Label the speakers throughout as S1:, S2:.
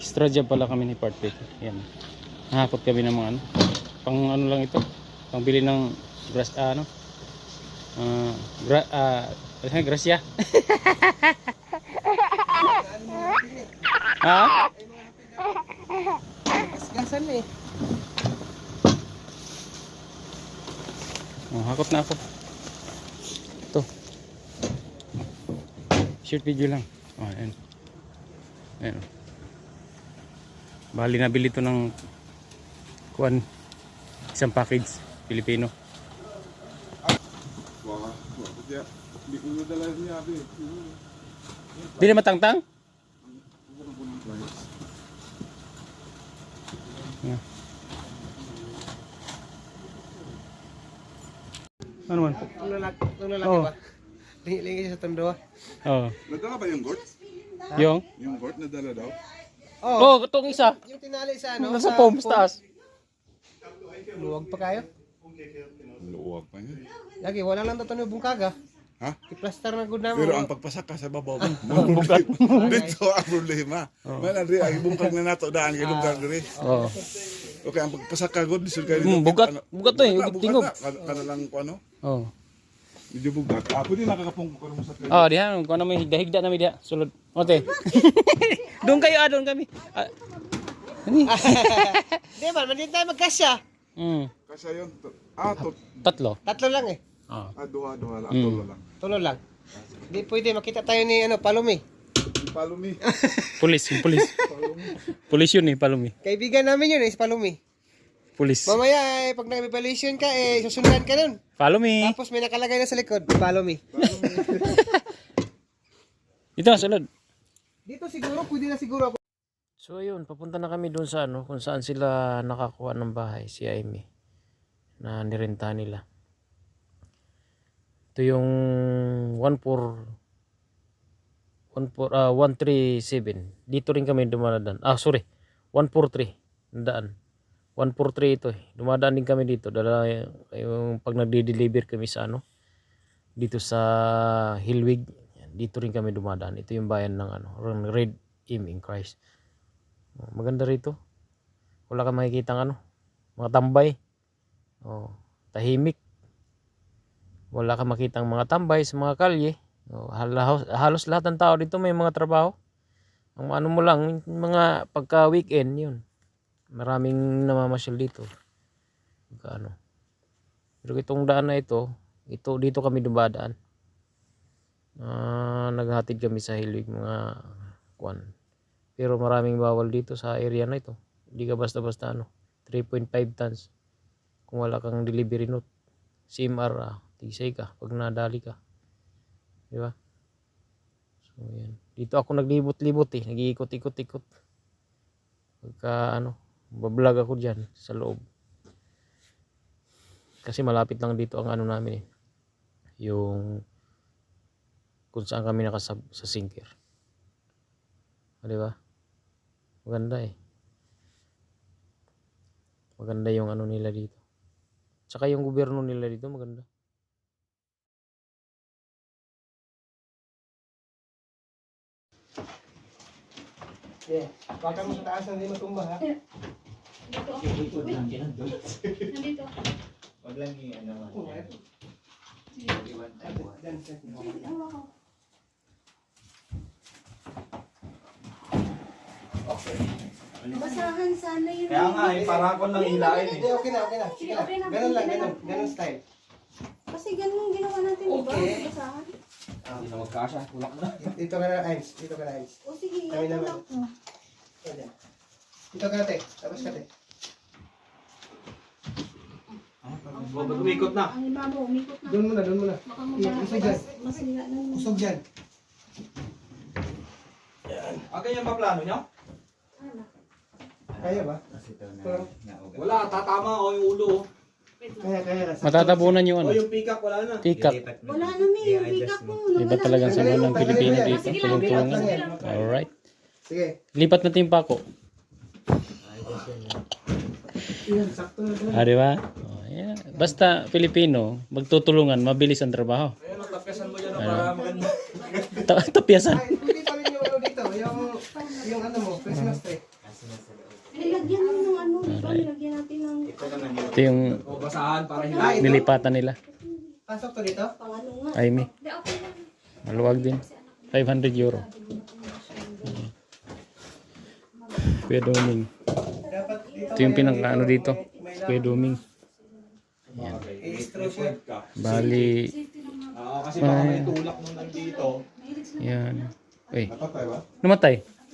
S1: Extra job pala kami ni Part dito. Yan. Nahakot kami ng mga ano. Pang ano lang ito. Pangbili ng grass ano. Gracia. Ha?
S2: Gasan eh.
S1: Oh, hakot na ako. Ito. Short video lang. Oh, ayan. Ayan. Bali nabili ito ng kuan, isang package Pilipino.
S3: Hindi ko dala niya, abi.
S1: Di na matangtang? Yeah. Ano man?
S2: Itong lalaki
S1: Oh.
S2: ba? Lingi-lingi sa tondo.
S1: Oh.
S3: Nadala ba yung gourd?
S1: Yung?
S3: Yung gourd nadala daw?
S1: Oh, itong isa.
S2: Yung tinali sa ano?
S1: Nasa foam sa taas.
S2: Luwag pa kayo?
S3: Luwag pa niya.
S2: Lagi, wala lang tatanong yung bungkaga.
S3: Ha?
S2: I-plaster na good namin.
S3: Pero ang pagpasaka sa babaw mo, dito ang problema. Manandri, ang bungkag na nato daan kay lugar diri.
S1: Oh.
S3: Okay, ang pagpasaka god disul kay dito.
S1: Bugat. Bugat to eh. Tingog.
S3: Kana lang ko ano?
S1: Oh.
S3: Medyo bugat. Pwede nakakapong ko karon sa kay.
S1: Oh, diha kung ano may higda-higda na may diha. Sulod. Ote. Doon kayo, doon kami. Ani?
S2: Di ba, hindi tayo magkasya.
S3: Kasi yun.
S1: Tatlo.
S2: Tatlo lang eh.
S1: Oh.
S3: Duha lang, tulo lang.
S2: Tulo lang. Hindi pwede, makita tayo ni ano, Palumi.
S3: Palumi.
S1: Pulis, yung pulis. Pulis yun eh, palumi.
S2: Kaibigan namin yun eh, si Palumi.
S1: Pulis.
S2: Mamaya eh, pag nag-evaluation ka eh, susundan ka nun.
S1: Follow me.
S2: Tapos may nakalagay na sa likod, Palumi.
S1: Ito, sulod.
S2: Dito siguro, pwede na siguro ako.
S1: So ayun, papunta na kami doon sa ano, kung saan sila nakakuha ng bahay, si Amy, na nirenta nila. Ito yung 137. Dito rin kami dumadaan. Ah, sorry. 143. Daan. 143 ito eh. Dumadaan din kami dito. Dala yung pag nagde-deliver kami sa ano, dito sa Hillwig. Dito rin kami dumadaan. Ito yung bayan ng ano, Red Im in Christ. Maganda rito. Wala kang makikita ano, mga tambay. Oh, tahimik. Wala kang makitang mga tambay sa mga kalye. Oh, halos lahat ng tao dito may mga trabaho. Ang ano mo lang, mga pagka weekend yun. Maraming namamasyal dito. Ano. Pero itong daan na ito dito kami dumadaan. Naghatid kami sa Hilwig mga kwan. Pero maraming bawal dito sa area na ito. Hindi ka basta-basta ano, 3.5 tons. Kung wala kang delivery note. CMR, tisay ka pag nadali ka. Di ba? So yan. Dito ako naglibot-libot eh, nag-iikot-ikot-ikot. Pagka ano, bablog ako diyan sa loob. Kasi malapit lang dito ang ano namin eh. Yung kung saan kami nakasab sa sinker. Di ba? Maganda eh. Maganda yung ano nila dito. Tsaka yung gobyerno nila dito maganda.
S2: Yeah. Baka mo sa taas na hindi matumba ha.
S4: Nandito.
S5: Wag lang yung ano.
S4: Basahan sana yun.
S5: Kaya nga, para ako lang hilain
S2: Hindi, okay na, okay na. Sige na.
S4: Okay na,
S2: Ganun lang,
S4: okay na.
S2: ganun style.
S4: Kasi ganun ginawa natin, di ba?
S2: Okay.
S4: Basahan.
S5: Hindi na magkasya, tulak na.
S2: Dito ka na, Ains. Dito ka na, Ains.
S4: O sige,
S2: Kami
S4: ako
S2: naman.
S4: lang.
S2: Ayan. Dito ka na, te. Tapos ka, te.
S5: Umikot na.
S4: Ang iba mo, umikot na.
S2: Doon muna, doon muna.
S4: Baka
S2: Usog dyan.
S4: masira na yun.
S2: Usog dyan.
S5: Ganyan ba plano nyo?
S4: Ano?
S2: Kaya ba?
S5: Wala, tatama ako yung ulo.
S4: Wait lang.
S2: Kaya.
S1: Matatabunan yung
S5: O
S1: ano,
S5: yung pick up, wala na.
S1: tikak.
S4: Wala na may, yung pick-up mo.
S1: Iba talagang sama ng Pilipino dito.
S4: Sige lang,
S1: Tulong-tulungan.
S4: sige lang.
S1: Alright.
S2: Sige.
S1: Lipat natin yung pako.
S2: Yan, sakto na ito.
S1: Ah, di ba? Oh, yeah. Basta Pilipino, magtutulungan, mabilis ang trabaho.
S5: Ayun, natapyasan mo dyan para maganda.
S1: Tapyasan.
S2: Ay, pwede pa rin yung ano dito. Yung ano mo, Christmas tree.
S4: Nilagyan mo ng ano, di ba? Nilagyan natin ng
S1: Ito yung
S5: O, basahan para hindi.
S1: nilipatan nila.
S2: Pasok to dito?
S4: pang ano nga.
S1: Aimee. Maluwag din. 500 euro. Kuya Doming.
S2: Dapat dito.
S1: Ito yung pinaka-ano dito. Kuya Doming.
S2: I-straw siya.
S1: Bali,
S5: Kasi baka may tulak nung nandito.
S1: yan. Uy,
S3: Napatay ba?
S1: namatay.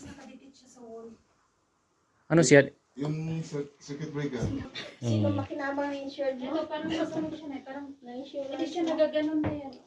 S1: Ano siya?
S3: Yung circuit breaker.
S4: Sino makinabang na insured mo?
S6: Ito parang masunog siya na parang
S4: Na-insure
S6: hindi siya nagaganon na yan.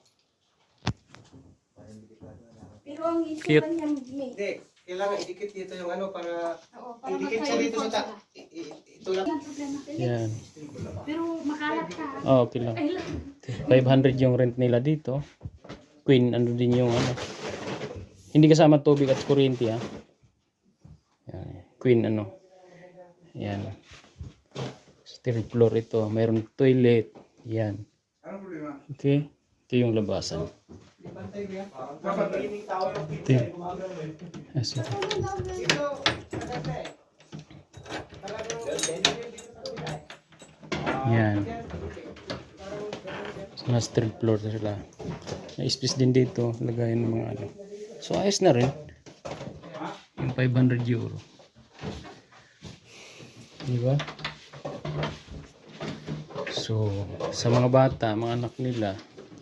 S4: Pero ang insure
S1: Cute.
S4: niya, may.
S2: Hindi. Kailangan idikit dito yung ano para
S6: Oo, para
S2: idikit siya dito sa ta. Itulak.
S6: Yan problema.
S1: Yan.
S6: Pero makalat ka.
S1: Oh, okay lang.
S6: Ay lang.
S1: 500 yung rent nila dito. Queen, ano din yung ano. Hindi kasama tubig at kuryente ha. Yan. Queen ano. Yan. Third floor ito. Mayroon toilet. Yan.
S3: Anong problema?
S1: Okay. Ito yung labasan.
S2: Dapat cleaning tower of
S1: Ito yun. Ah, sige.
S2: Ito.
S1: Yan. So, nasa third floor na sila. May space din dito. Lagayan ng mga ano. So, ayos na rin. Yung 500 euro. Diba? So, sa mga bata, mga anak nila,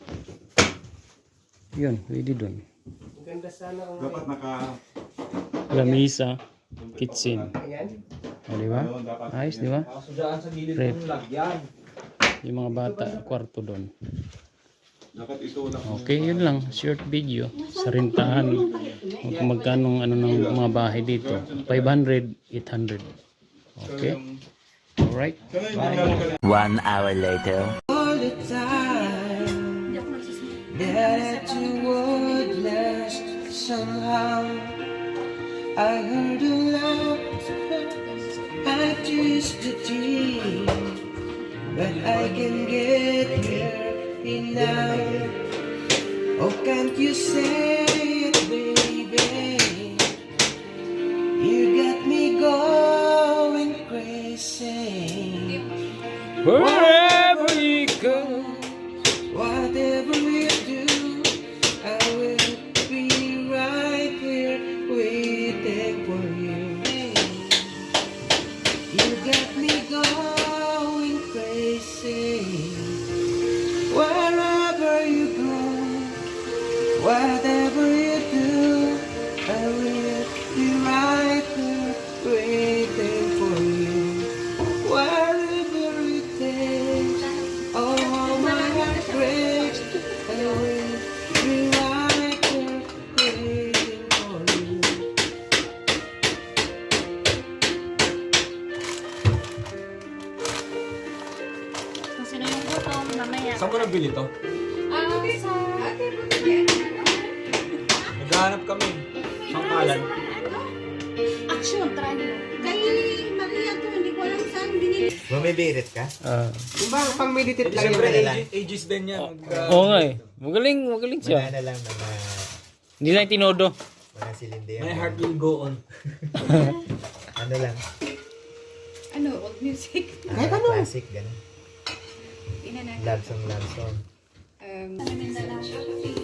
S1: yun, pwede dun.
S2: Ganda sana ang
S3: Dapat naka...
S1: Lamisa, kitchen.
S2: ayan.
S1: O, diba? Ayos, diba?
S5: Kaso dyan sa gilid
S1: Rep.
S5: ng lagyan.
S1: Yung mga bata, kwarto doon.
S3: Dapat itulak.
S1: Okay, yun lang. Short video. Sa rintahan. Kung magkano ano ng mga bahay dito. 500, 800. Okay? Alright. Bye.
S7: 1 hour later.
S4: All the time that you would last somehow. I heard a laughter, I used to dream, but I can get here now. Oh, can't you say it, baby? You got me going crazy.
S1: Wherever you go.
S4: Whatever you do, I will be right here waiting for you. You got me going crazy. Wherever you go, whatever you do, I will be right here waiting for you. Wherever it takes, oh my heart breaks, I will be right here waiting for you.
S6: Kung sino yung gutom, mamaya.
S5: Saan mo nabili to?
S6: Sa...
S5: Naghahanap kami. Sangkalan.
S6: Action, try mo.
S4: Kay Maria to, hindi ko alam saan binili.
S7: Bumibirit ka?
S2: Yung ba pang meditate lang
S5: Siyempre,
S2: yun?
S5: ages din yan.
S1: Oo nga eh. Magaling siya.
S7: Mga lang mga,
S1: Hindi lang tinodo.
S7: mga silindi yan.
S5: My heart will go on.
S7: Ano lang?
S6: Ano, old music?
S7: Kahit ano? Classic, gano'n.
S6: Ina na.
S7: Love song.
S6: Ano na lang siya?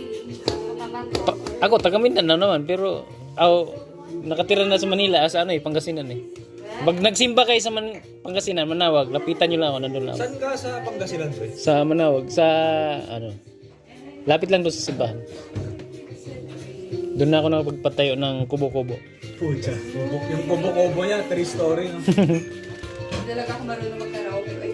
S1: Ako, taga Mindanao naman. Pero, nakatira na sa Manila. Sa ano eh, Pangasinan eh. Pag nagsimba kayo sa Pangasinan, Manawag, lapitan nyo lang ako. Nandun lang ako.
S5: Saan ka sa Pangasinan, pre?
S1: Sa Manawag, sa ano. Lapit lang doon sa simbahan. Doon na ako nakapagpatayo ng kubo-kubo.
S5: Pucha. Yung kubo-kubo niya, 3 story. No?
S6: Talaga ako marunong mag-karaoke. Ay,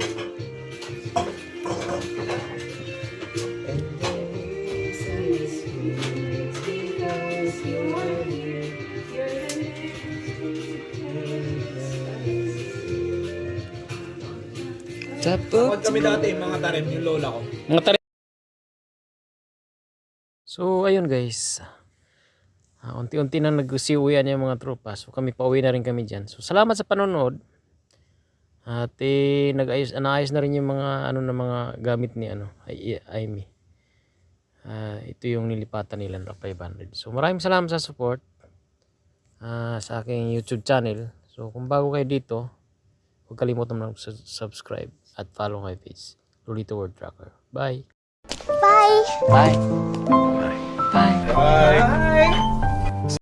S5: Takot kami dati, mga tarim, yung lola ko.
S1: So, ayun guys. Unti-unti na nag-usiuwian yung mga tropa. So, kami pauwi na rin kami dyan. So, salamat sa panonood. At naayos na rin yung mga na mga gamit ni Aimee. Ito yung nilipatan nila ng 500. So, maraming salamat sa support sa aking YouTube channel. So, So, kung bago kayo dito, huwag kalimutan mo subscribe at follow my page, Lolito World Tracker. Bye! Bye! Bye!